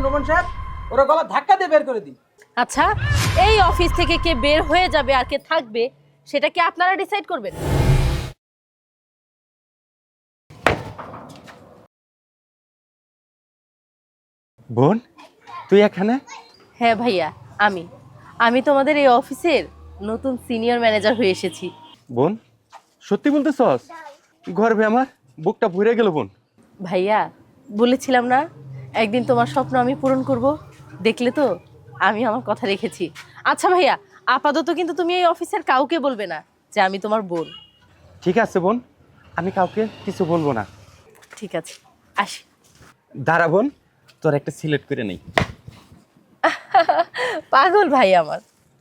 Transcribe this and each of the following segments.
Roman সাহেব, ওরা গলা ধাক্কা দিয়ে বের করে দিই। আচ্ছা, এই অফিস থেকে কে বের হয়ে যাবে আর কে থাকবে সেটা কি আপনারা ডিসাইড করবেন? বোন, তুই এখানে? হ্যাঁ ভাইয়া, আমি আমি তোমাদের এই অফিসের নতুন সিনিয়র ম্যানেজার হয়ে এসেছি। বোন, সত্যি বলতেছস? গর্বে আমার বুকটা ভরে গেল বোন। ভাইয়া, বলেছিলাম না একদিন তোমার স্বপ্ন আমি পূরণ করব। দেখলে তো, আমি আমার কথা রেখেছি। আচ্ছা ভাইয়া, আপাতত কিন্তু তুমি এই অফিসের কাউকে বলবে না যে আমি তোমার বোন। ঠিক আছে বোন, আমি কাউকে কিছু বলবো না। ঠিক আছে, আসি। দাঁড়া বোন, তোর একটা সিলেক্ট করে নেই। পাগল ভাই আমার।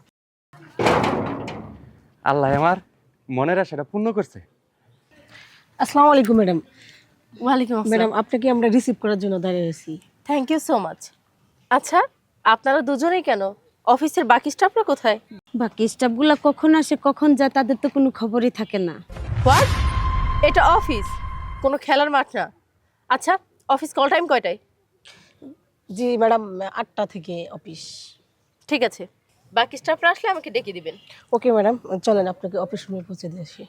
আল্লাহ আমার মনের আশাটা পূর্ণ করছে। আসসালামু আলাইকুম ম্যাডাম। ওয়ালাইকুম আসসালাম। ম্যাডাম, আপনাকে আমরা রিসিভ করার জন্য দাঁড়িয়ে আছি। Thank you so much. আচ্ছা, আপনারা দুজনেই কেন? অফিসের বাকি স্টাফরা কোথায়? বাকি স্টাফগুলো কখন আসে কখন যায় তাদের তো কোনো খবরই থাকে না। হোয়াট? এটা অফিস, কোনো খেলার মাঠ না। আচ্ছা, অফিস কল টাইম কয়টায়? জি ম্যাডাম, 8টা থেকে অফিস। ঠিক আছে, বাকি স্টাফরা আসলে আমাকে ডেকে দিবেন। ওকে ম্যাডাম, চলেন আপনাকে অফিস রুমে পৌঁছে দিয়ে আসি।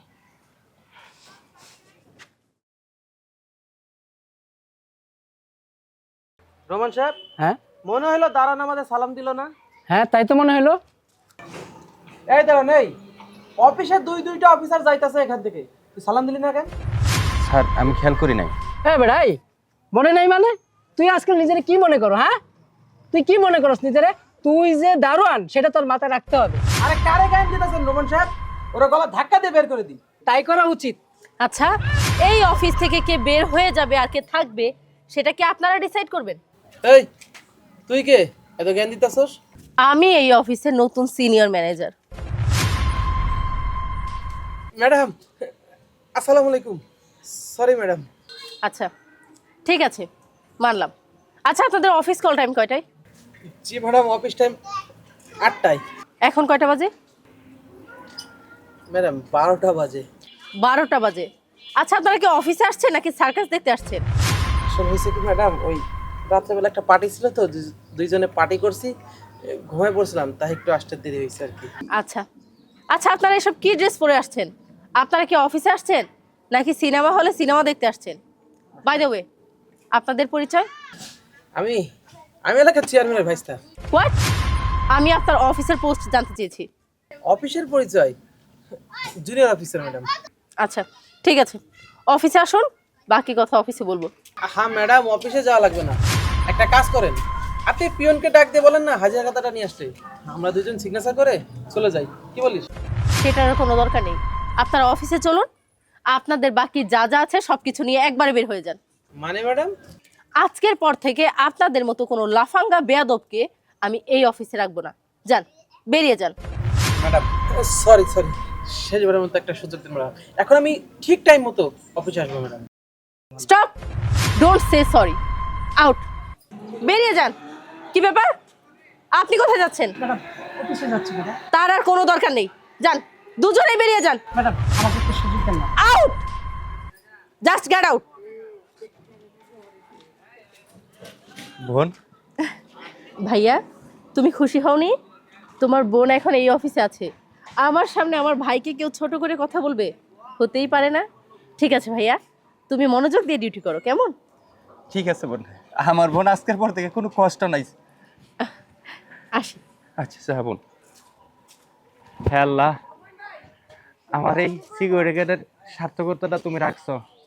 রোমান সাহেব, হ্যাঁ মনে হলো দাঁড়ান আমাদের সালাম দিল না। হ্যাঁ, তাই তো মনে হলো। এই দাঁড়ান, এই অফিসে দুইটা অফিসার যাইতাছে এখান থেকে, তুই সালাম দিলি না কেন? স্যার, আমি খেয়াল করি নাই। হ্যাঁ বেড়াই, মনে নাই মানে? তুই আজকাল নিজেরে কি মনে করো? হ্যাঁ, তুই কি মনে করস নিজেরে? তুই যে দারোয়ান সেটা তোর মাথায় রাখতে হবে। আরে কারে গায়ে দিতেছেন রোমান সাহেব? ওরা গলা ধাক্কা দিয়ে বের করে দিই। তাই করা উচিত। আচ্ছা, এই অফিস থেকে কে বের হয়ে যাবে আর কে থাকবে সেটা কি আপনারা ডিসাইড করবেন? এই তুই কে এত জ্ঞান দিতেছস? আমি এই অফিসের নতুন সিনিয়র ম্যানেজার। ম্যাডাম, আসসালামু আলাইকুম। Sorry madam. আচ্ছা, ঠিক আছে, মানলাম। আচ্ছা, আপনাদের অফিস কল টাইম কয়টায়? জি ম্যাডাম, অফিস টাইম 8টায়। এখন কয়টা বাজে? ম্যাডাম 12টা বাজে। 12টা বাজে। আচ্ছা, আপনারা কি অফিসে আসছেন নাকি সার্কাস দেখতে আসছেন? আসলে হয়েছে কি ম্যাডাম, ওই রাত্রেবেলা একটা পার্টি ছিল তো, দুইজনে পার্টি করছি, ঘুমায় পড়ছিলাম, তাই একটু আসতে দেরি হয়েছে আর কি। আচ্ছা আচ্ছা, আপনারা এসব কি ড্রেস পরে আসছেন? আপনারা কি অফিসে আসছেন নাকি সিনেমা হলে সিনেমা দেখতে আসছেন? বাই দ্য ওয়ে, আপনাদের পরিচয়? আমি এলাকার চেয়ারম্যানের ভাইস্তা। হোয়াট? আমি আপনার অফিসের পোস্ট জানতে চেয়েছি। অফিসের পরিচয় জুনিয়র অফিসার ম্যাডাম। আচ্ছা, ঠিক আছে, অফিসে আসুন, বাকি কথা অফিসে বলবো। হ্যাঁ ম্যাডাম, অফিসে যাওয়া লাগবে না, একটা কাজ করেন, আপনি পিয়নকে ডাক দিয়ে বলেন না হাজিরা খাতাটা নিয়ে আসতে, আমরা দুজন সিগনেচার করে চলে যাই, কি বলিস? সেটার কোনো দরকার নেই, আপনারা অফিসে চলুন, আপনাদের বাকি যা যা আছে সবকিছু নিয়ে একবারে বের হয়ে যান। মানে ম্যাডাম? আজকের পর থেকে আপনাদের মতো কোনো লাফাঙ্গা বেয়াদবকে আমি এই অফিসে রাখবো না। যান, বেরিয়ে যান। ম্যাডাম সরি, শেষবারের মতো একটা সুযোগ দিন ম্যাডাম, এখন আমি ঠিক টাইম মতো অফিসে আসবো madam. Stop, don't say sorry, out, বেরিয়ে যান। কি ব্যাপার, আপনি কোথায় যাচ্ছেন? ম্যাডাম, অফিসে যাচ্ছি ম্যাডাম। তার আর কোনো দরকার নেই, যান, দুজনেই বেরিয়ে যান। ম্যাডাম, আমাকে একটু সুযোগ দেন না। Out, just get out. বোন, ভাইয়া, তুমি খুশি হওনি? তোমার বোন এখন এই অফিসে আছে। আমার সামনে আমার ভাইকে কেউ ছোট করে কথা বলবে? হতেই পারে না। ঠিক আছে ভাইয়া, তুমি মনোযোগ দিয়ে ডিউটি করো, কেমন? ঠিক আছে বোন, আমার বোন আজকের পর থেকে কোনো কষ্ট নাই। আসি। আচ্ছা আচ্ছা বোন। হ্যাঁ আল্লাহ, আমার এই সিকিউরিটি গার্ডের সার্থকতাটা তুমি রাখছো।